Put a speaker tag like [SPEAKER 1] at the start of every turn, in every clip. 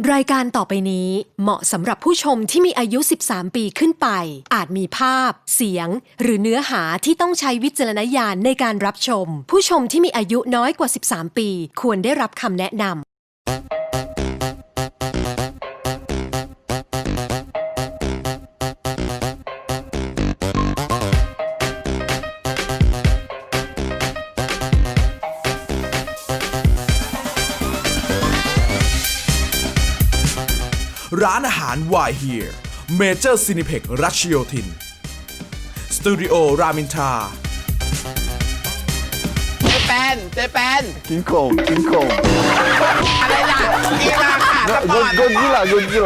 [SPEAKER 1] รายการต่อไปนี้เหมาะสำหรับผู้ชมที่มีอายุ 13 ปีขึ้นไป อาจมีภาพ เสียง หรือเนื้อหาที่ต้องใช้วิจารณญาณในการรับชม ผู้ชมที่มีอายุน้อยกว่า 13 ปีควรได้รับคำแนะนำ
[SPEAKER 2] ร้านอาหาร Why Here Major Cineplex รัชโยธินสตูดิโอรามินทรา
[SPEAKER 3] เจแปน
[SPEAKER 4] 킹콩
[SPEAKER 3] อะไรล่ะกีฬาค่ะสปอร์ต
[SPEAKER 4] 고질라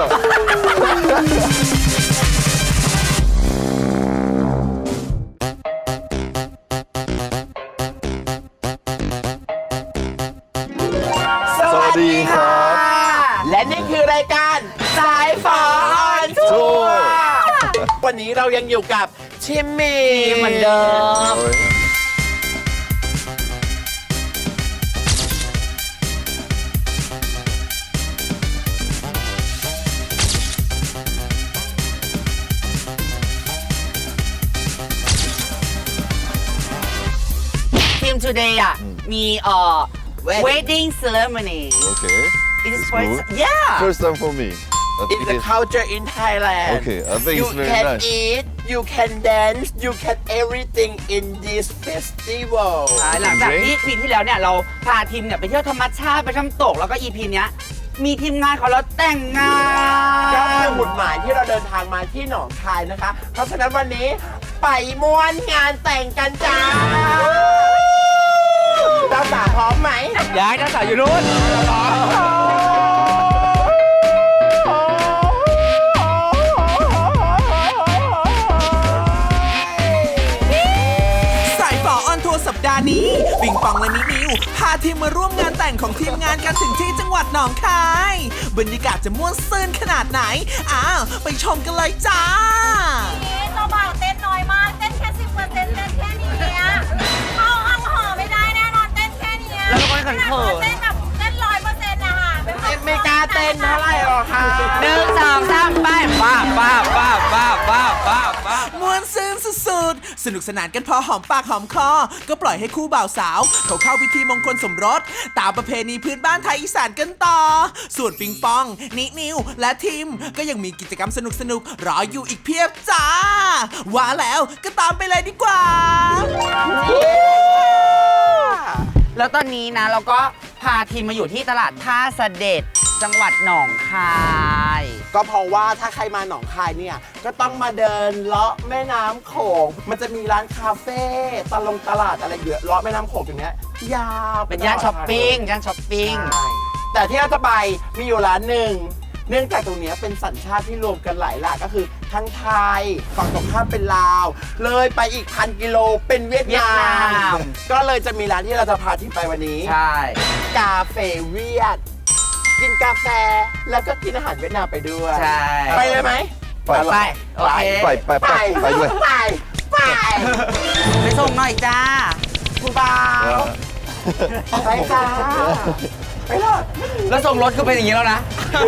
[SPEAKER 3] สวัสดีค่ะ
[SPEAKER 4] สวัสดีครับ
[SPEAKER 3] และนี่คือรายการสายฝออนทัวร์วันนี้เรายังอยู่กับชิมมี่เหมือนเดิมทีม today อ่ะมีwedding ceremony
[SPEAKER 4] Okay.
[SPEAKER 3] it is
[SPEAKER 4] It's
[SPEAKER 3] first
[SPEAKER 4] good.
[SPEAKER 3] yeah
[SPEAKER 4] First time for me. But
[SPEAKER 3] it's
[SPEAKER 4] it
[SPEAKER 3] the
[SPEAKER 4] is-
[SPEAKER 3] culture in Thailand
[SPEAKER 4] Okay, I think
[SPEAKER 3] you
[SPEAKER 4] it's very
[SPEAKER 3] can
[SPEAKER 4] nice.
[SPEAKER 3] eat you can dance you can everything in this festival
[SPEAKER 5] หลังจากที่ EP ที่แล้วเนี่ยเราพาทีมเนี่ยไปเที่ยวธรรมชาติไปน้ำตกแล้วก็ EP เนี้ยมีทีมงานเขาแล้วแต่งงา
[SPEAKER 3] ก็คื
[SPEAKER 5] น
[SPEAKER 3] อหมุดหมายที่เราเดินทางมาที่หนองคายนะคะ เพราะฉะนั้นวันนี้ไปม้วนงานแต่งกันจ้าเจ้าสาวพร้อมไหม
[SPEAKER 5] ย้ายเจ้าสาวอยู่นู้น
[SPEAKER 2] สายฝอออนทัวร์สัปดาห์นี้ปิงปองและนินิวพาทีมมาร่วมงานแต่งของทีมงานกันถึงที่จังหวัดหนองคายบรรยากาศจะม่วนซื่นขนาดไหนอ้าวไปชมกันเลยจ้า
[SPEAKER 6] เจ้าบ่าวเต้นน้อยมาก เต้นแค่10%เต้นแค่นี้เข้าห้องห่อไม่ได้แน่นอนเต้นแค่นี้
[SPEAKER 5] แล้วก็เขินเขิน
[SPEAKER 6] เต้นแบบเต้น100%นะคะ
[SPEAKER 3] ไม่กล้าเต้นเท่าไหร่หรอกค่ะ
[SPEAKER 5] 1 2 3ไปป้าป้าป้าป้าป้าป้าป้า
[SPEAKER 2] ม่วนซื่นสุดๆ สนุกสนานกันพอหอมปากหอมคอ ก็ปล่อยให้คู่บ่าวสาวเขาเข้าพิธีมงคลสมรส ตามประเพณีพื้นบ้านไทยอีสานกันต่อ ส่วนปิงปอง นินิว และทีมก็ยังมีกิจกรรมสนุกๆ รออยู่อีกเพียบจ้า ว่าแล้วก็ตามไปเลยดีกว่า
[SPEAKER 5] แล้วตอนนี้นะเราก็พาทีมมาอยู่ที่ตลาดท่าเสด็จจังหวัดหนองคาย
[SPEAKER 3] ก็เพราะว่าถ้าใครมาหนองคายเนี่ย ก็ต้องมาเดินเลาะแม่น้ำโขง มันจะมีร้านคาเฟ่ตลาดอะไรเยอะเลาะแม่น้ำโขงอย่างเงี้ยยาว
[SPEAKER 5] เป็นย่านช้อปปิ้งย่านช้อปปิ้ง
[SPEAKER 3] ใช่แต่ที่เราจะไปมีอยู่ร้านหนึ่ง เนื่องจากตรงเนี้ยเป็นสัญชาติที่รวมกันหลายหลากก็คือทั้งไทยฝั่งตรงข้ามเป็นลาว เลยไปอีก1,000 กิโลเป็นเวียดนาม ก็เลยจะมีร้านที่เราจะพาที่ไปวันนี้
[SPEAKER 5] ใช่
[SPEAKER 3] กาเฟ่เวียด กินกาแฟแล้วก็กินอาหารเวียดนามไปด้วย
[SPEAKER 5] ใช่
[SPEAKER 3] ไปเลยไหม
[SPEAKER 5] ไปโอเค
[SPEAKER 3] ไปด้วยไป
[SPEAKER 5] ไปส่งหน่อยจ้า
[SPEAKER 3] คุณบ่าวไปจ้าไปเลย
[SPEAKER 5] แล้วส่งรถก็เป็นอย่างนี้แล้วนะ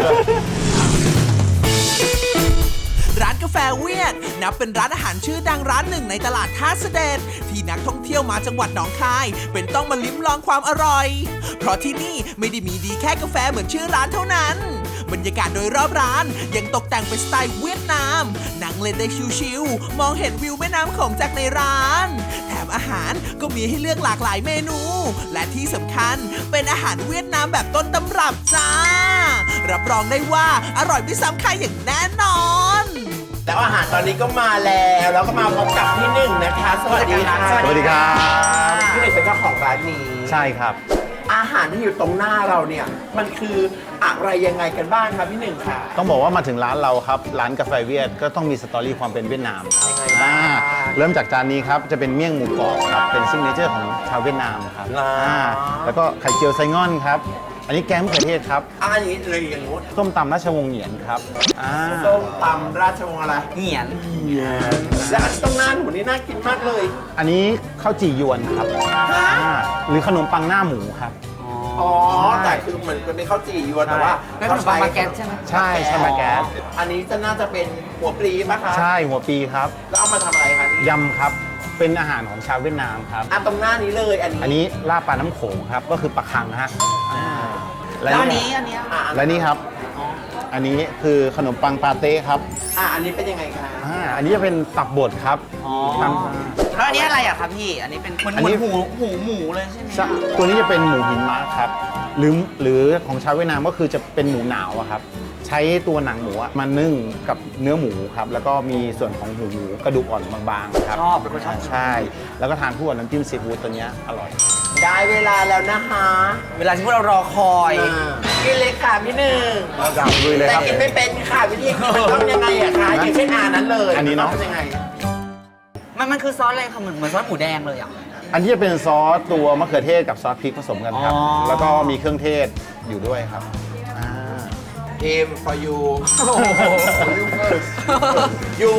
[SPEAKER 2] ร้านกาแฟเวียดนับเป็นร้านอาหารชื่อดังร้านหนึ่งในตลาดท่าเสด็จที่นักท่องเที่ยวมาจังหวัดหนองคายเป็นต้องมาลิ้มลองความอร่อย เพราะที่นี่ไม่ได้มีดีแค่กาแฟเหมือนชื่อร้านเท่านั้น บรรยากาศโดยรอบร้านยังตกแต่งเป็นสไตล์เวียดนามนั่งเล่นได้ชิวๆมองเห็นวิวแม่น้ำโขงจากในร้านแถมอาหารก็มีให้เลือกหลากหลายเมนู และที่สำคัญเป็นอาหารเวียดนามแบบต้นตำรับจ้ารับรองได้ว่าอร่อยไม่ซ้ำใครอย่างแน่นอน
[SPEAKER 3] แล้วอาหารตอนนี้ก็มาแล้วแล้วก็มาพบกับพี่หนึ่งนะคะ สวัสดีค่ะ
[SPEAKER 4] สวัสดีครับ
[SPEAKER 3] พี่หนึ่งเป็นเจ้าของร้านนี้
[SPEAKER 4] ใช่ครับ
[SPEAKER 3] อาหารที่อยู่ตรงหน้าเราเนี่ยมันคืออะไรยังไงกันบ้างครับพี่หนึ่งค่ะ
[SPEAKER 4] ต้องบอกว่ามาถึงร้านเราครับ ร้านกาแฟเวียดก็ต้องมีสตอรี่ความเป็นเวียดนามครับเริ่มจากจานนี้ครับ จะเป็นเมี่ยงหมูกรอบครับ เป็นซิกเนเจอร์ของชาวเวียดนามครับแล้วก็ไข่เจียวไซง่อนครับ อันนี้แกงมะเขือเทศครับ
[SPEAKER 3] อันนี้เลยอย่างงู้น
[SPEAKER 4] ส้มตำราชวงศ์เหงียนครับ
[SPEAKER 3] ส้มตำราชวงศ์อะไร
[SPEAKER 5] เหงียน
[SPEAKER 3] และอันตรงหน้าหนูนี่น่ากินมากเลย
[SPEAKER 4] อันนี้ข้าวจี่ยวนครับหรือขนมปังหน้าหมูครับ
[SPEAKER 3] ขอ๋อ แต่คือเหมือนเป็นข้าวจี่ยวนแต่ว่า
[SPEAKER 5] แล้วขนมปังมาแกนใช่ไหม
[SPEAKER 4] ใช่ใช่มาแก๊ส
[SPEAKER 3] อันนี้จะน่าจะเป็นหัวปลีป่ะคะ
[SPEAKER 4] ใช่หัวปีครับ
[SPEAKER 3] แล้วเอามาทำอะไรคะนี่
[SPEAKER 4] ยำครับเป็นอาหารของชาวเวียดนามครับ
[SPEAKER 3] ตรงหน้านี้เลยอันนี้
[SPEAKER 4] อันนี้ลาบปลาน้ำโขงครับก็คือปลาคังฮะ
[SPEAKER 5] แล้วอันนี้อันเนี้ย
[SPEAKER 4] และนี่ครับ อันนี้คือขนมปังปาเต้ครับ
[SPEAKER 3] อันนี้เป็นยังไงคะ
[SPEAKER 4] อันนี้จะเป็นตับบดครับ
[SPEAKER 5] อ๋อ
[SPEAKER 4] ท
[SPEAKER 5] แล้วอันนี้อะไรอะครับพี่ อันนี้เป็นเหมือน
[SPEAKER 4] อันนี้
[SPEAKER 5] หมูเลยใช่ไหม
[SPEAKER 4] ำตัวนี้จะเป็นหมูหินม้าครับหรือของชาวเวียดนามก็คือจะเป็นหมูหนาวอะครับ ใช้ตัวหนังหมูอะมานึ่งกับเนื้อหมูครับ แล้วก็มีส่วนของหมูกระดูกอ่อนบางๆครับ
[SPEAKER 5] ชอบเป็นคนชอบ
[SPEAKER 4] ใช่ แล้วก็ทานคู่กับน้ำจิ้มซีฟู้ดตัวเนี้ยอร่อย
[SPEAKER 3] ได้เวลาแล้วนะคะ
[SPEAKER 5] เวลาที่พวกเรารอคอย
[SPEAKER 3] กินเลยค่ะพี่หนึ่ง
[SPEAKER 4] เราจะลุยเลย
[SPEAKER 3] แต่
[SPEAKER 4] ครับ
[SPEAKER 3] กินไม่เป็นค่ะวิธีกินมันต้องยังไงอะคะอย่างเช่นนั้นเลย
[SPEAKER 4] อันนี้เนอะ
[SPEAKER 3] มัต้องยังไง
[SPEAKER 5] มันคือซอสอะไรคะเหมือนซอสหมูแดงเลยอ่ะ
[SPEAKER 4] อันที่จะเป็นซอสตัวมะเขือเทศกับซอสพริกผสมกันครับ
[SPEAKER 5] อ๋อ
[SPEAKER 4] แล้วก็มีเครื่องเทศอยู่ด้วยครับ
[SPEAKER 3] ทีม for you you first you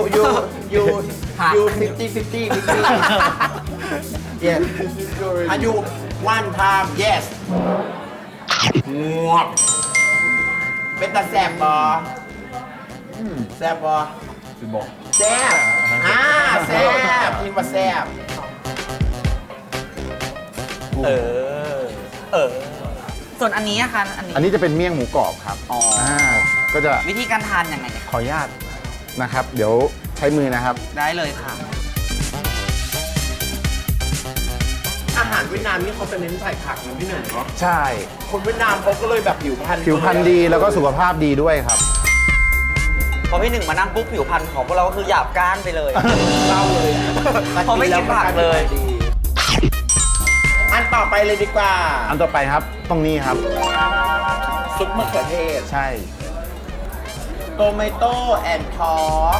[SPEAKER 3] 50 yes are you one time yes งวบเป็นตาแสบบอแสบบอแซ่บแซ่บทีมว่าแซ่บ
[SPEAKER 5] ส่วนอันนี้อะคะอันนี้
[SPEAKER 4] อันนี้จะเป็นเมี่ยงหมูกรอบครับ
[SPEAKER 5] อ๋อ
[SPEAKER 4] ก็จะ
[SPEAKER 5] วิธีการทานยังไงเนี่ย
[SPEAKER 4] ขออนุญาตนะครับ เดี๋ยวใช้มือนะครับ
[SPEAKER 5] ได้เลยค่ะ
[SPEAKER 3] อาหารเวียดนามนี่เขาจะเน้นใส่ผักนะพี่หนึ่งเนาะ
[SPEAKER 4] ใช่
[SPEAKER 3] คนเวียดนามเขาก็เลยแบบผิวพรรณ
[SPEAKER 4] ผิวพรรณดีแล้วก็สุขภาพดีด้วยครับ
[SPEAKER 5] พอพี่หนึ่งมานั่งปุ๊บผิวพรรณของพวกเราก็คือหยาบก้านไปเลย
[SPEAKER 3] เล่าเลยอะ
[SPEAKER 5] เขาไม่กินผักเลย
[SPEAKER 3] อันต่อไปเลยดีกว่า
[SPEAKER 4] อันต่อไปครับตรงนี้ครับ
[SPEAKER 3] ซุปมะเขือเทศ
[SPEAKER 4] ใช่
[SPEAKER 3] โตเมโต้แอนด์ทอป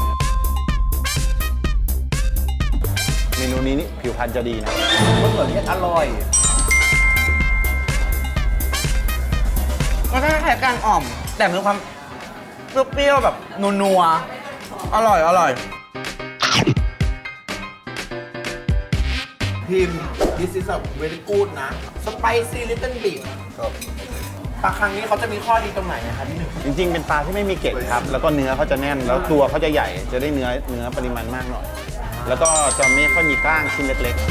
[SPEAKER 4] เมนูนี้นี่ผิวพรรณจะดีนะ
[SPEAKER 3] มะเขือเทศอร่อย
[SPEAKER 5] ก็คล้ายๆการอ่อม แต่มีความเปรี้ยวๆแบบนัวๆอร่อย
[SPEAKER 3] พิมพ์ this is a very good นะ spicy little bit ปลาครั้งนี้เขาจะมีข้อดีตรงไหนนะคะพี่หนึ่ง
[SPEAKER 4] จริงๆ เป็นปลาที่ไม่มีเกล็ดครับ แล้วก็เนื้อเขาจะแน่น แล้วตัวเขาจะใหญ่ จะได้เนื้อปริมาณมากหน่อย แล้วก็จะไม่ค่อยมีกล้างชิ้นเล็ก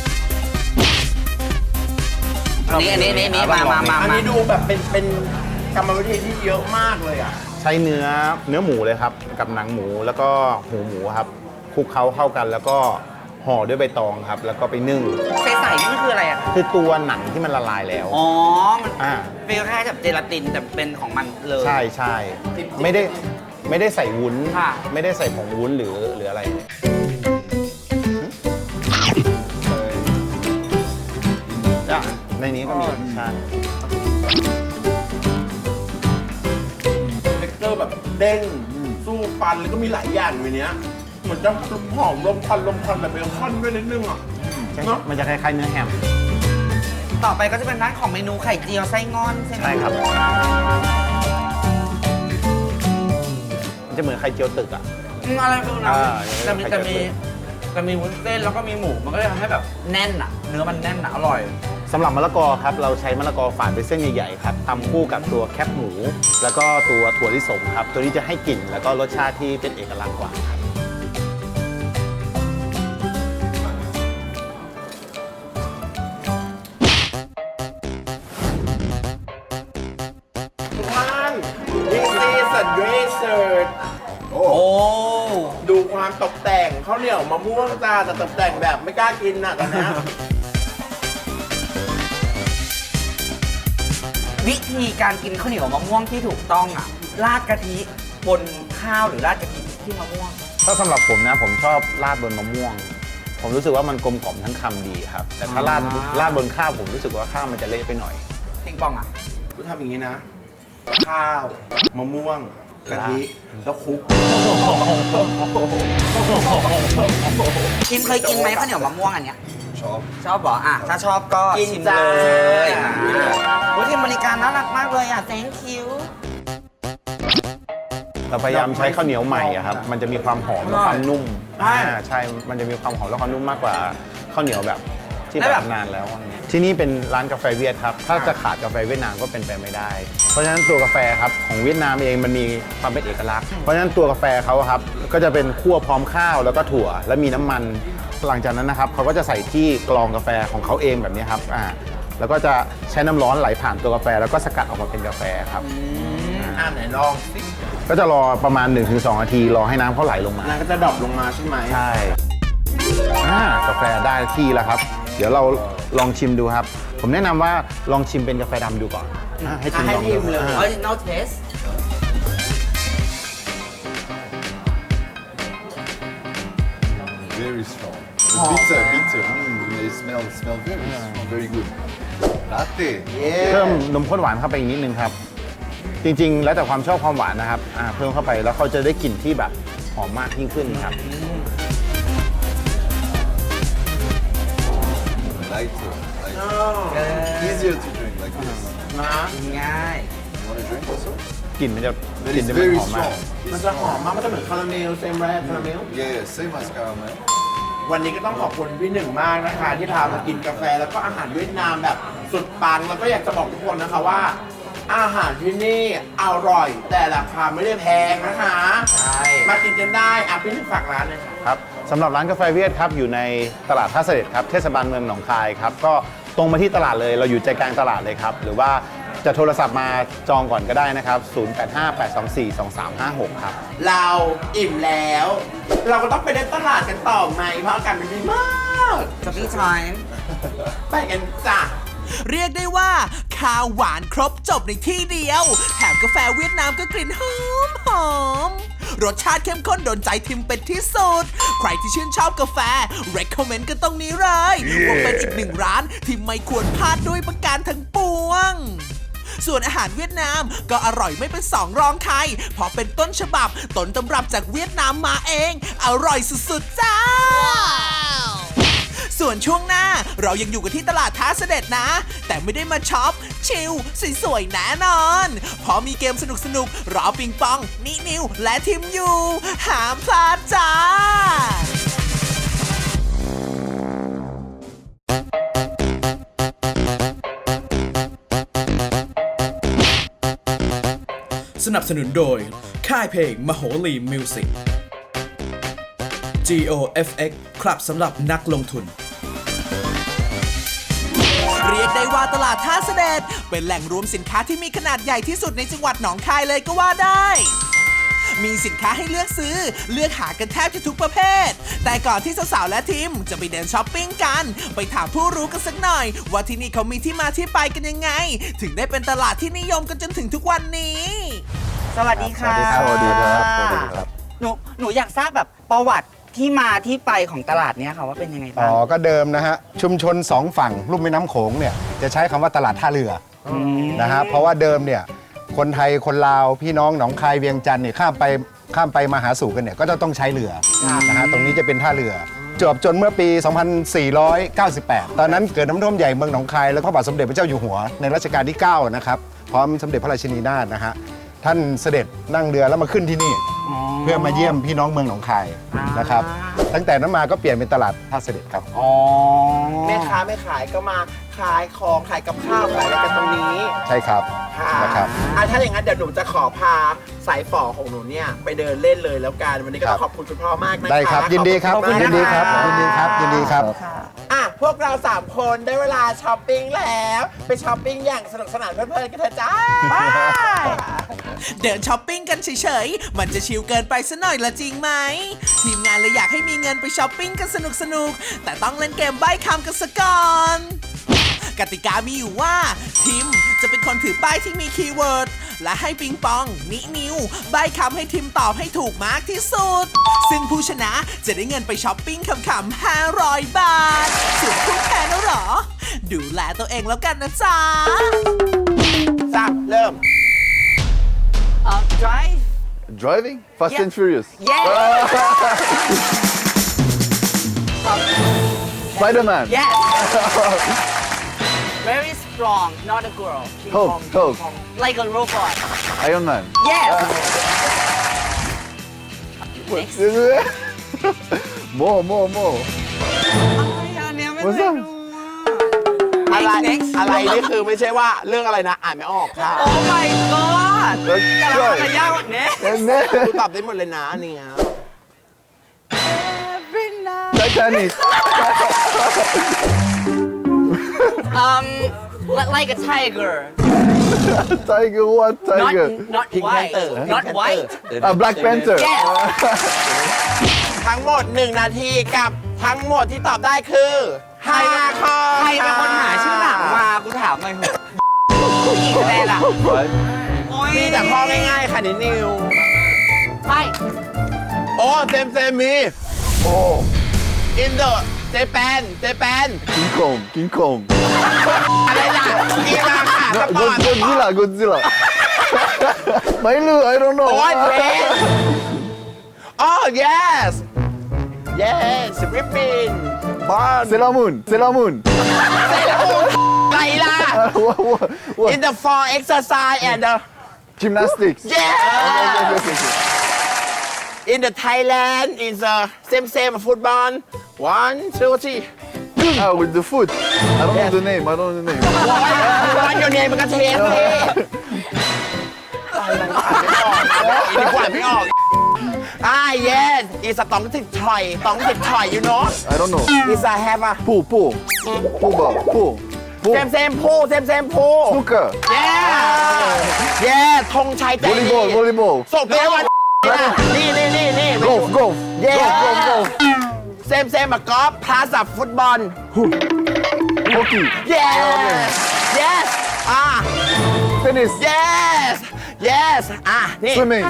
[SPEAKER 5] อันนี้มา
[SPEAKER 3] อันนี้ดูแบบเป็นกรรมวิธีที่เยอะมากเลยอ่ะ
[SPEAKER 4] ๆ ใช้เนื้อหมูเลยครับ กับหนังหมูแล้วก็หูหมูครับคลุกเคล้าเข้ากัน แล้วก็ห่อด้วยใบตองครับ แล้วก็ไปนึ่ง
[SPEAKER 5] ใสๆนี่มันคืออะไรอะ
[SPEAKER 4] คือตัวหนังที่มันละลายแล้ว
[SPEAKER 5] อ๋อ มัน
[SPEAKER 4] อ่า
[SPEAKER 5] เป็นคล้ายๆกับเจลาตินแต่เป็นของมันเลย
[SPEAKER 4] ใช่ไม่ได้ใส่วุ้น
[SPEAKER 5] ค่ะ
[SPEAKER 4] ไม่ได้ใส่ผงวุ้นหรืออะไรในนี้ก็มีใช่
[SPEAKER 3] เท็กเจอร์แบบเด้งสู้ฟันแล้วก็มีหลายอย่างในเนี้ยเหมือนจะหอมลมควันแบบเบคอนด้วยนิดนึงอ่ะเนาะ
[SPEAKER 4] มันจะคล้ายๆเนื้อแฮม
[SPEAKER 5] ต่อไปก็จะเป็นร้านของเมนูไข่เจียวไส้งอนใช่ไหม
[SPEAKER 4] ใช่ครับ มันจะเหมือนไข่เจียวตึกอ่ะ
[SPEAKER 5] อะไรฟิลนั้น
[SPEAKER 4] อ่า
[SPEAKER 5] แต่มีวุ้นเส้นแล้วก็มีหมูมันก็เลยทำให้แบบแน่นอะเนื้อมันแน่นอะอร่อย
[SPEAKER 4] สำหรับมะละกอครับ เราใช้มะละกอฝานเป็นเส้นใหญ่ๆครับตำคู่กับตัวแคบหมู แล้วก็ตัวถั่วลิสงครับ ตัวนี้จะให้กลิ่นแล้วก็รสชาติที่เป็นเอกลักษณ์กว่าครับ
[SPEAKER 3] ทุกท่าน this is a dessert โอ้
[SPEAKER 5] โอ้
[SPEAKER 3] ดูความตกแต่งข้าวเหนียวมะม่วงจ้าแต่ตกแต่งแบบไม่กล้ากินน่ะตอนเนี้ย
[SPEAKER 5] วิธีการกินข้าวเหนียวมะม่วงที่ถูกต้องอะราดกะทิบนข้าวหรือราดกะทิที่มะม่วง
[SPEAKER 4] ถ้าสำหรับผมนะผมชอบราดบนมะม่วง ผมรู้สึกว่ามันกลมกล่อมทั้งคำดีครับ แต่ถ้าราดบนข้าวผมรู้สึกว่าข้าวมันจะเละไปหน่อย
[SPEAKER 5] ปิงปองอะ
[SPEAKER 3] กูทำอย่างนี้นะ ข้าวมะม่วงกะทิแล้วคลุก
[SPEAKER 5] ชิมเคยกินไหมข้าวเหนียวมะม่วงอันเนี้ยชอบเหรออ่ะถ้าชอบก็
[SPEAKER 3] กิน
[SPEAKER 5] ชิม
[SPEAKER 3] จ้า
[SPEAKER 5] เลยวิธีบริการน่ารักมากเลยอ่ะ thank you
[SPEAKER 4] เราพยายามใช้ข้าวเหนียวใหม่อะครับ มันจะมีความหอมและความนุ่ม
[SPEAKER 5] ใช่
[SPEAKER 4] ใช่ มันจะมีความหอมและความนุ่มมากกว่าข้าวเหนียวแบบที่
[SPEAKER 5] แล้ว
[SPEAKER 4] แบ
[SPEAKER 5] แบบ
[SPEAKER 4] บนานแล้วอะไรเงี้ยที่นี่เป็นร้านกาแฟเวียดครับ ถ้าจะขาดกาแฟเวียดนามก็เป็นไปไม่ได้ เพราะฉะนั้นตัวกาแฟครับของเวียดนามเองมันมีความเป็นเอกลักษณ์ เพราะฉะนั้นตัวกาแฟเขาครับก็จะเป็นคั่วพร้อมข้าวแล้วก็ถั่วและมีน้ำมัน หลังจากนั้นนะครับเขาก็จะใส่ที่กรองกาแฟของเขาเองแบบนี้ครับแล้วก็จะใช้น้ำร้อนไหลผ่านตัวกาแฟแล้วก็สกัดออกมาเป็นกาแฟครับ
[SPEAKER 3] ไหนลองสิ
[SPEAKER 4] ก็จะรอประมาณ 1-2 นาทีรอให้น้ำเขาไหลลงมา
[SPEAKER 3] น้ำก็จะดรอปลงมาใช่ไหม
[SPEAKER 4] ใช่กาแฟได้ที่แล้วครับ เดี๋ยวเราลองชิมดูครับ ผมแนะนำว่าลองชิมเป็นกาแฟดำดูก่อนให้ชิมลองดู
[SPEAKER 5] original taste
[SPEAKER 7] Very strong. Bitter, bitter. They smell very good. Latte.
[SPEAKER 4] เพิ่มนมข้นหวานเข้าไปอีกนิดนึงครับ จริงๆ แล้วแต่ความชอบความหวานนะครับเพิ่มเข้าไปแล้วเขาจะได้กลิ่นที่แบบหอมมากยิ่งขึ้นครับ
[SPEAKER 7] Lighter. Easier to drink like this.
[SPEAKER 5] ง่าย
[SPEAKER 7] You want to drink also?
[SPEAKER 4] กลิ่นมันจะ
[SPEAKER 7] That
[SPEAKER 4] กลิ่น
[SPEAKER 7] is
[SPEAKER 4] จะมัน
[SPEAKER 7] very
[SPEAKER 4] หอมมาก
[SPEAKER 7] strong.
[SPEAKER 3] มันจะหอมมากมันจะเหมือนคาราเมลเซมแรกคาราเมล
[SPEAKER 7] Yeah, same as caramel.
[SPEAKER 3] วันนี้ก็ต้องขอบคุณพี่หนึ่งมากนะคะ ที่พามากินกาแฟแล้วก็อาหารเวียดนามแบบสุดปังแล้วก็อยากจะบอกทุกคนนะคะว่า อาหารที่นี่อร่อย แต่ราคาไม่ได้แพงนะคะ
[SPEAKER 5] ใช่
[SPEAKER 3] มากินกันได้พี่หนึ่งฝากร้านเลยค่ะ
[SPEAKER 4] ครับสำหรับร้านกาแฟเวียดครับอยู่ในตลาดท่าเสด็จครับเทศบาลเมืองหนองคายครับก็ตรงมาที่ตลาดเลยเราอยู่ใจกลางตลาดเลยครับหรือว่าจะโทรศัพท์มาจองก่อนก็ได้นะครับ 0858242356 ครับ
[SPEAKER 3] เราอิ่มแล้ว เราก็ต้องไปเดินตลาดกันต่อไหมเพราะอากาศมันดีมาก
[SPEAKER 5] shopping time
[SPEAKER 3] ไปกันจ้ะ
[SPEAKER 2] เรียกได้ว่าข้าวหวานครบจบในที่เดียว แถมกาแฟเวียดนามก็กลิ่นหอมรสชาติเข้มข้นโดนใจทิมเป็นที่สุด ใครที่ชื่นชอบกาแฟ recommend กันตรงนี้เลยว่าเป็นอีกหนึ่งร้านที่ไม่ควรพลาดด้วยประการทั้งปวง ส่วนอาหารเวียดนามก็อร่อยไม่เป็นสองรองใครเพราะเป็นต้นฉบับต้นตำรับจากเวียดนามมาเอง อร่อยสุดๆจ้า ส่วนช่วงหน้าเรายังอยู่กันที่ตลาดท้าเสด็จนะ แต่ไม่ได้มาช็อป ชิลสวยๆแน่นอนเพราะมีเกมสนุกๆรอปิงปองนินิวและทีมอยู่ห้ามพลาดจ้า
[SPEAKER 8] สนับสนุนโดย ค่ายเพลงมโหรีมิวสิก GOFX ครับสำหรับนักลงทุน
[SPEAKER 2] เรียกได้ว่าตลาดท่าเสด็จเป็นแหล่งรวมสินค้าที่มีขนาดใหญ่ที่สุดในจังหวัดหนองคายเลยก็ว่าได้ มีสินค้าให้เลือกซื้อเลือกหากันแทบจะทุกประเภท แต่ก่อนที่สาวๆและทีมจะไปเดินช้อปปิ้งกันไปถามผู้รู้กันสักหน่อย ว่าที่นี่เขามีที่มาที่ไปกันยังไง ถึงได้เป็นตลาดที่นิยมกันจนถึงทุกวันนี้
[SPEAKER 5] สวัสดีค่ะ
[SPEAKER 4] สวัสดีครับสวัสดีครับ
[SPEAKER 5] หนูอยากทราบแบบประวัติที่มาที่ไปของตลาดเนี้ยค่ะว่าเป็นยังไงบ้าง
[SPEAKER 9] ก็เดิมนะฮะชุมชนสองฝั่งลุ่มแม่น้ำโขงเนี่ยจะใช้คำว่าตลาดท่าเรืออนะฮะเพราะว่าเดิมเนี่ยคนไทยคนลาวพี่น้องหนองคายเวียงจันทร์เนี่ยข้ามไปมาหาสู่กันเนี่ยก็จะต้องใช้เรือนะฮะตรงนี้จะเป็นท่าเรือจนเมื่อปี 2498 ตอนนั้นเกิดน้ำท่วมใหญ่เมืองหนองคายแล้วพระบาทสมเด็จพระเจ้าอยู่หัวในรัชกาลที่ 9 นะครับพร้อมสมเด็จพระราชินีนาถนะฮะท่านเสด็จนั่งเรือแล้วมาขึ้นที่นี่ เพื่อมาเยี่ยมพี่น้องเมืองหนองคายนะครับตั้งแต่นั้นมาก็เปลี่ยนเป็นตลาดท่าเสด็จครับ
[SPEAKER 5] อ๋อ
[SPEAKER 3] แม่ค้าไม่ขายก็มาขายของขายกับข้าวขายอะไรกันตรงนี้
[SPEAKER 9] ใช่ครับ
[SPEAKER 3] ค่ะ
[SPEAKER 9] นะครับ
[SPEAKER 3] ถ้าอย่างนั้นเดี๋ยวหนูจะขอพาสายฝ่อของหนูเนี่ยไปเดินเล่นเลยแล้วกันวันนี้ก็ต้องขอบคุณคุณพ่อมากนะคะ
[SPEAKER 9] ได้ครับยินดีครับ
[SPEAKER 3] ขอณ
[SPEAKER 9] ยินดีครับ
[SPEAKER 3] มาก
[SPEAKER 9] ยินดีครับยินดีครับ
[SPEAKER 3] พวกเรา3คนได้เวลาช้อปปิ้งแล้วไปช้อปปิ้งอย่างสนุกสนานเพลินๆกันเถอะจ้าบาย
[SPEAKER 2] เดินช้อปปิ้งกันเฉยๆ มันจะชิลเกินไปซะหน่อยละจริงไหม ทีมงานเลยอยากให้มีเงินไปช้อปปิ้งกันสนุกๆ แต่ต้องเล่นเกมใบ้คำกันซะก่อน กติกามีอยู่ว่าทีมจะเป็นคนถือป้ายที่มีคีย์เวิร์ด และให้ปิงปองนินิวใบ้คำให้ทีมตอบให้ถูกมากที่สุด ซึ่งผู้ชนะจะได้เงินไปช้อปปิ้งขำๆ500 บาท ส่วนผู้แพ้นะหรอ ดูแลตัวเองแล้วกันนะจ๊ะ
[SPEAKER 3] เริ่ม
[SPEAKER 5] drive
[SPEAKER 7] Driving? Fast
[SPEAKER 5] Yeah.
[SPEAKER 7] and Furious.
[SPEAKER 5] yes
[SPEAKER 7] Spider-Man.
[SPEAKER 5] yes very strong not a girl King
[SPEAKER 7] Hulk,
[SPEAKER 5] Kong,
[SPEAKER 7] Hulk.
[SPEAKER 5] King Kong. like a robot
[SPEAKER 7] Iron Man.
[SPEAKER 5] yes
[SPEAKER 7] more.
[SPEAKER 5] อันเนี้ยไม่
[SPEAKER 7] What's
[SPEAKER 5] เคย
[SPEAKER 7] that?
[SPEAKER 5] ดู
[SPEAKER 3] อะอะไร
[SPEAKER 5] next
[SPEAKER 3] อะไรนี่คือไม่ใช่ว่าเรื่องอะไรนะอ่านไม่ออกค่ะ
[SPEAKER 5] โอ้ my god กำลังจะยากกว่านี้
[SPEAKER 3] กูตอบได้หมดเลยนะอันนี่ครับ
[SPEAKER 7] Titanic.
[SPEAKER 5] Like a tiger
[SPEAKER 7] Tiger, what tiger?
[SPEAKER 5] not
[SPEAKER 3] Pink
[SPEAKER 5] white
[SPEAKER 3] Panther.
[SPEAKER 5] not white
[SPEAKER 7] Black Panther.
[SPEAKER 5] yes
[SPEAKER 3] ทั้งหมด 1 นาทีกับทั้งหมดที่ตอบได้คือ5ข้อ
[SPEAKER 5] ใครเป็นคนหาชื่อหนังมากูถามหน่อยเถอะอีกแน่ล่ะ
[SPEAKER 7] Right?
[SPEAKER 5] โอ้ย
[SPEAKER 3] มีแต่ข้อง่ายๆค่ะนิว
[SPEAKER 5] ไป
[SPEAKER 3] โอ้เต็มมี
[SPEAKER 7] Oh,
[SPEAKER 3] in the Japan
[SPEAKER 7] King Kong, King Kong.
[SPEAKER 3] อะไรล่ะกีฬาค่ะสปอร์ต
[SPEAKER 7] Godzilla, Godzilla. Mailu, I don't know.
[SPEAKER 3] โอ้ยเทรนอ๋อ yesฟิลิปปินส์
[SPEAKER 7] Sailor Moon, Sailor Moon.
[SPEAKER 3] เซเลบูนอะไรล่ะ
[SPEAKER 7] What?
[SPEAKER 3] in the for exercise and the
[SPEAKER 7] Gymnastics.
[SPEAKER 3] yes in the Thailand is the same football 1 2 3
[SPEAKER 7] Ah, with the foot. I don't know the name. I don't know the name.
[SPEAKER 3] วันโยเนมันก็เทสเลยดีกว่าไม่ออกyes is a ต้องติดถอยyou know
[SPEAKER 7] I don't know.
[SPEAKER 3] is a have a
[SPEAKER 7] Pool ball. Pool.
[SPEAKER 3] same pool
[SPEAKER 7] Snooker.
[SPEAKER 3] yeah ธงชัยใจดี
[SPEAKER 7] Volleyball.
[SPEAKER 3] ส่งไปวันนี่
[SPEAKER 7] Golf.
[SPEAKER 3] yeah same กอล์ฟพลาสฟุตบอล
[SPEAKER 7] Hockey.
[SPEAKER 3] yes
[SPEAKER 7] Tennis.
[SPEAKER 3] yes นี่
[SPEAKER 7] Swimming.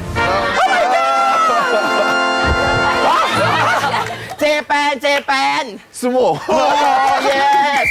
[SPEAKER 3] เจแปน
[SPEAKER 7] Sumo.
[SPEAKER 3] โอ้ yes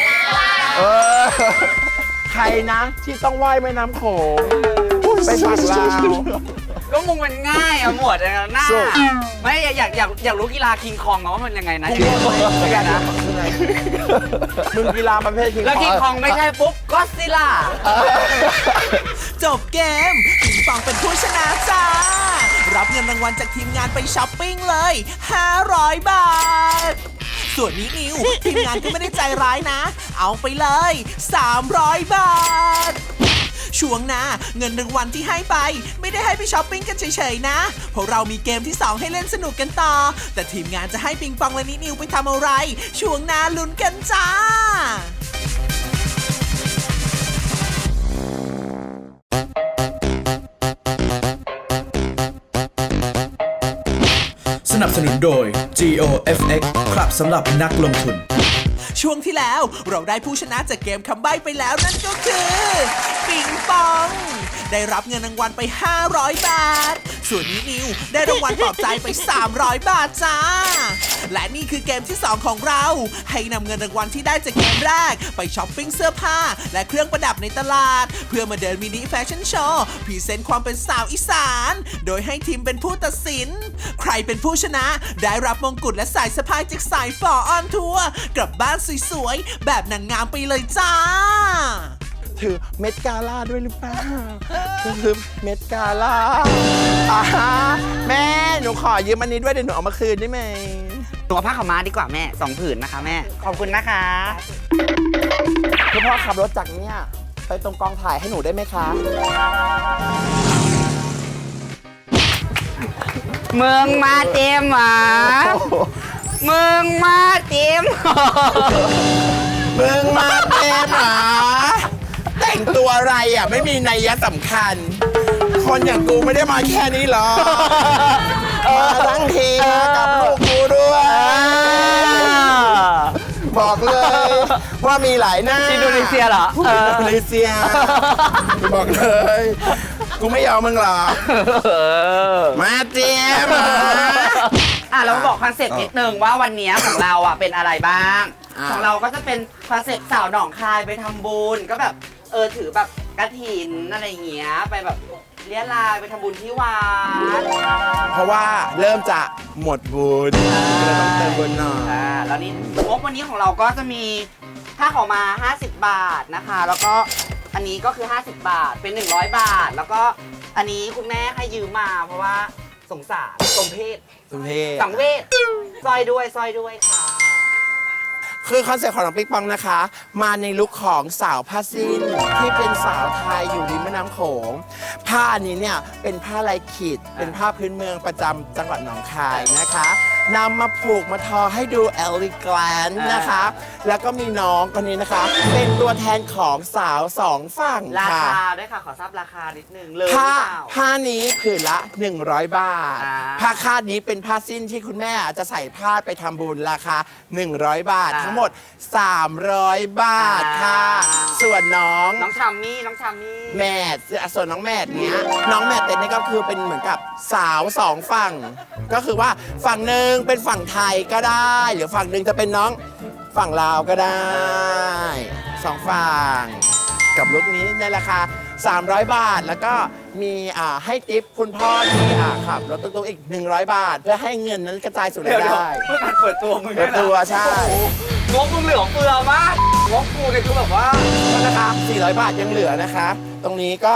[SPEAKER 3] ใครนะที่ต้องว่ายแม่น้ำโขงเป็นฝั่งลาว
[SPEAKER 5] ก็มุงมันง่ายอะหมวดอะหน้า
[SPEAKER 7] So
[SPEAKER 5] ไม่อยากรู้กีฬาคิงคองว่ามันยังไงนะคิงคองนะ
[SPEAKER 3] มึงกีฬาประเภทคิง
[SPEAKER 5] แล้วคิงคองไม่ใช่ปุ๊บก็ซิล่า
[SPEAKER 2] จบเกมปิงปองเป็นผู้ชนะจ้า รับเงินรางวัลจากทีมงานไปช้อปปิ้งเลย 500 บาท ส่วนนี้นิวทีมงานก็ไม่ได้ใจร้ายนะ เอาไปเลย 300 บาท ช่วงหน้าเงินรางวัลที่ให้ไป ไม่ได้ให้ไปช้อปปิ้งกันเฉยๆนะเพราะเรามีเกมที่ 2 ให้เล่นสนุกกันต่อ แต่ทีมงานจะให้ปิงปองและนิวไปทำอะไร ช่วงหน้าลุ้นกันจ้า
[SPEAKER 8] สนับสนุนโดย GOFX ครับสำหรับนักลงทุน
[SPEAKER 2] ช่วงที่แล้วเราได้ผู้ชนะจากเกมคำใบ้ไปแล้วนั่นก็คือปิงปอง ได้รับเงินรางวัลไป 500 บาท ส่วนนิวได้รางวัลปลอบใจไป 300 บาทจ้า และนี่คือเกมที่ 2 ของเรา ให้นำเงินรางวัลที่ได้จากเกมแรกไปช้อปปิ้งเสื้อผ้าและเครื่องประดับในตลาด เพื่อมาเดินมินิแฟชั่นโชว์พรีเซนต์ความเป็นสาวอีสาน โดยให้ทีมเป็นผู้ตัดสิน ใครเป็นผู้ชนะได้รับมงกุฎและสายสะพายจากสายฝอออนทัวร์กลับบ้านสวยๆแบบนางงามไปเลยจ้า
[SPEAKER 3] ถือเม็ดกาล่าด้วยหรือเปล่าถือเม็ดกาล่าแม่หนูขอยืมอันนี้ด้วยเดี๋ยวหนูเอามาคืนได้ไหม
[SPEAKER 5] ตัวผ้าขาวม้าดีกว่าแม่2 ผืนนะคะแม่ ขอบคุณนะคะ
[SPEAKER 3] คุณพ่อขับรถจากเนี่ยไปตรงกองถ่ายให้หนูได้ไหมคะ
[SPEAKER 5] มึงมาเต็มหมามึงมาเต็ม
[SPEAKER 3] มึงมาเต็มหรอแต่งตัวอะไรอ่ะไม่มีนัยยะสำคัญ คนอย่างกูไม่ได้มาแค่นี้หรอกมาทั้งทีมากับลูกกูด้วย บอกเลยว่ามีหลายหน้า
[SPEAKER 5] อินโดนีเซียเหรอ
[SPEAKER 3] อินโดนีเซียบอกเลยกูไม่ยอมมึงหรอกมาเต็ม
[SPEAKER 5] เรามาบอกคอนเซ็ปต์นิดนึงว่าวันนี้ของเราอ่ะเป็นอะไรบ้าง ของเราก็จะเป็นคอนเซ็ปต์สาวหนองคายไปทำบุญก็แบบถือแบบกฐินอะไรอย่างเงี้ยไปแบบเลี้ยลายไปทำบุญที่วัด
[SPEAKER 3] เพราะว่าเริ่มจะหมดบุญเลยต้องเติมบุญหน่อย
[SPEAKER 5] แล้วนี่งบวันนี้ของเราก็จะมีผ้าขาวมา50 บาทนะคะ แล้วก็อันนี้ก็คือ50 บาทเป็น100 บาท แล้วก็อันนี้คุณแม่ให้ยืมมาเพราะว่าสงสารสมเพศ
[SPEAKER 3] สุเทพ
[SPEAKER 5] สังเวชซอยด้วยค่ะ
[SPEAKER 3] คือคอนเซ็ปต์ของน้องปิ๊กปองนะคะ มาในลุคของสาวผ้าสิ้นที่เป็นสาวไทยอยู่ริมแม่น้ำโขงผ้านี้เนี่ยเป็นผ้าลายขีดเป็นผ้าพื้นเมืองประจำจังหวัดหนองคายนะคะนำมาผูกมาทอให้ดูเอลิแกรนด์นะคะ แล้วก็มีน้องคนนี้นะคะ เป็นตัวแทนของสาวสองฝั่ง
[SPEAKER 5] รา
[SPEAKER 3] ค่ะ
[SPEAKER 5] คาด้วยค่ะ ขอทราบราคานิดนึงเลยหรือ
[SPEAKER 3] ผ้า
[SPEAKER 5] เปล่า
[SPEAKER 3] ผ้านี้ผืนละ 100 บาท
[SPEAKER 5] อ่า
[SPEAKER 3] ผ้าคาดนี้เป็นผ้าสิ้นที่คุณแม่จะใส่ผ้าไปทำบุญราคา 100 บาท ทั้งหมด 300 บาทค่ะ ส่วนน้อง
[SPEAKER 5] น้องชัมมี่
[SPEAKER 3] แมทส่วนน้องแมทเนี้ยน้องแมทเต็นนี่ก็คือเป็นเหมือนกับสาวสองฝั่ง ก็คือว่าฝั่งหนึ่งเป็นฝั่งไทยก็ได้ หรือฝั่งหนึ่งจะเป็นน้องฝั่งลาวก็ได้สองฝั่งกับลุคนี้ในราคา 300 บาท แล้วก็มีให้ทิปคุณพ่อที่ขับรถตุ๊กๆอีก 100 บาท เพื่อให้เงินนั้นกระจายสู่รายได้
[SPEAKER 5] เพื่อการเปิดตัวมึง
[SPEAKER 3] เปิดตัวใช่
[SPEAKER 5] งบมึงเหลือเฟือมากงบกูเนี่ยคือแบบว่า
[SPEAKER 3] ก็นะคะ400 บาทยังเหลือนะคะ ตรงนี้ก็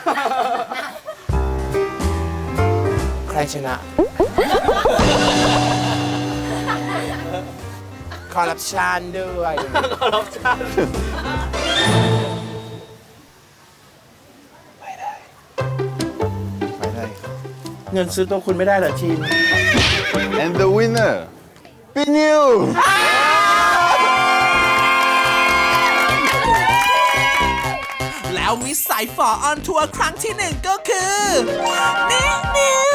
[SPEAKER 3] ใครชนะ คอร์รัปชันด้วย
[SPEAKER 5] คอร์รัปชัน
[SPEAKER 4] ไปได้ครับ
[SPEAKER 3] เงินซื้อตัวคุณไม่ได้เหรอทีม
[SPEAKER 4] and the winner เป็นนิว
[SPEAKER 2] แล้วมิสสายฝอออนทัวร์ครั้งที่ 1 ก็คือนิว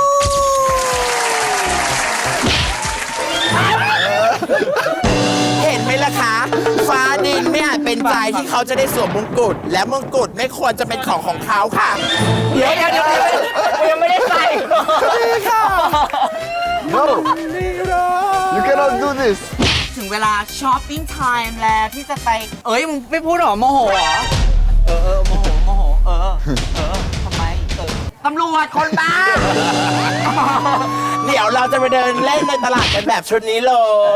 [SPEAKER 3] เห็นไหมล่ะคะ ฟ้าดินไม่อาจเป็นใจที่เขาจะได้สวมมงกุฎและมงกุฎไม่ควรจะเป็นของเขาค่ะ
[SPEAKER 5] เดี๋ยวยังไม่ได้ใส่
[SPEAKER 3] ค่ะ
[SPEAKER 4] no you cannot do this
[SPEAKER 5] ถึงเวลาช้อปปิ้งไทม์แล้วที่จะไป เอ้ยมึงไม่พูดหรอโมโหหรอ โมโห ทำไม ตำรวจคนบ้า
[SPEAKER 3] เดี๋ยวเราจะไปเดินเล่นในตลาดกันแบบชุดนี้เลย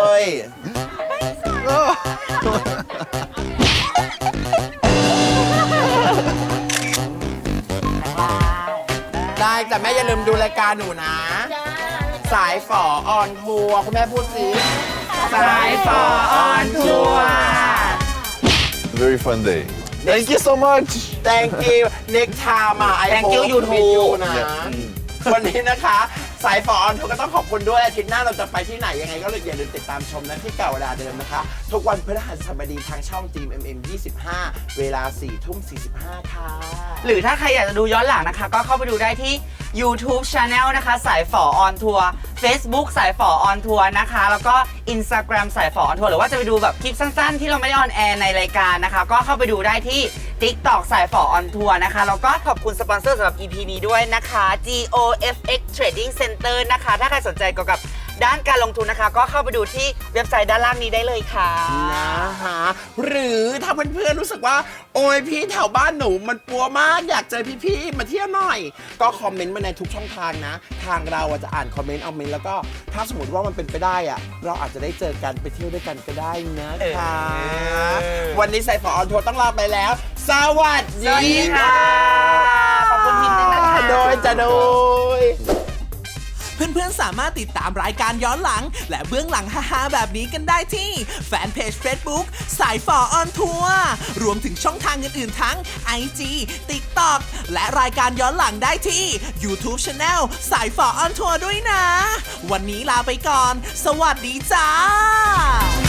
[SPEAKER 3] ได้แต่แม่อย่าลืมดูรายการหนูนะ สายฝอออนทัวร์คุณแม่พูดสิ สายฝอออนทัวร์
[SPEAKER 7] Very fun day.
[SPEAKER 4] thank you so much
[SPEAKER 3] thank you next time I
[SPEAKER 5] Thank you
[SPEAKER 3] hope
[SPEAKER 5] YouTube
[SPEAKER 3] meet you นะ วันนี้นะคะ สายฝอออนทัวร์ก็ต้องขอบคุณด้วยอาทิตย์หน้าเราจะไปที่ไหนยังไงก็เลยอย่าลืมติดตามชมนะที่เก่าเวลาเดิมนะคะ ทุกวันพฤหัสบดีทางช่องทีม MM25 เวลา 4:45 ค่ะ
[SPEAKER 5] หรือถ้าใครอยากจะดูย้อนหลังนะคะ ก็เข้าไปดูได้ที่ YouTube Channel นะคะ สายฝอออนทัวร์ Facebook สายฝอออนทัวร์นะคะ แล้วก็ Instagram สายฝอออนทัวร์หรือว่าจะไปดูแบบคลิปสั้นๆ ที่เราไม่ได้ออนแอร์ในรายการนะคะ ก็เข้าไปดูได้ที่ TikTok สายฝอออนทัวร์นะคะ แล้วก็ขอบคุณสปอนเซอร์สำหรับ EP นี้ด้วยนะคะ GOFX Trading Center นะคะ ถ้าใครสนใจเกี่ยวกับด้านการลงทุนนะคะ ก็เข้าไปดูที่เว็บไซต์ด้านล่างนี้ได้เลยค่ะ
[SPEAKER 3] นะคะหรือถ้าเพื่อนๆรู้สึกว่า โอ้ยพี่แถวบ้านหนูมันปัวมากอยากเจอพี่ๆมาเที่ยวหน่อย ก็คอมเมนต์มาในทุกช่องทางนะ ทางเราจะอ่านคอมเมนต์เอาเมนต์แล้วก็ถ้าสมมติว่ามันเป็นไปได้อะเราอาจจะได้เจอกันไปเที่ยวด้วยกันก็ได้นะคะ วันนี้สายฝอออนทัวร์ต้องลาไปแล้ว สวัส
[SPEAKER 5] สวัส
[SPEAKER 3] ดี
[SPEAKER 5] ดีค่ะ ขอบคุณทีมนึงนะคะ
[SPEAKER 3] โดยจะโดย
[SPEAKER 2] เพื่อนๆ สามารถติดตามรายการย้อนหลัง และเบื้องหลังฮาๆแบบนี้กันได้ที่แฟนเพจ Facebook สายฝอออนทัวร์รวมถึงช่องทางอื่นๆทั้ง IG TikTok และรายการย้อนหลังได้ที่ YouTube Channel สายฝอออนทัวร์ด้วยนะ วันนี้ลาไปก่อน สวัสดีจ้า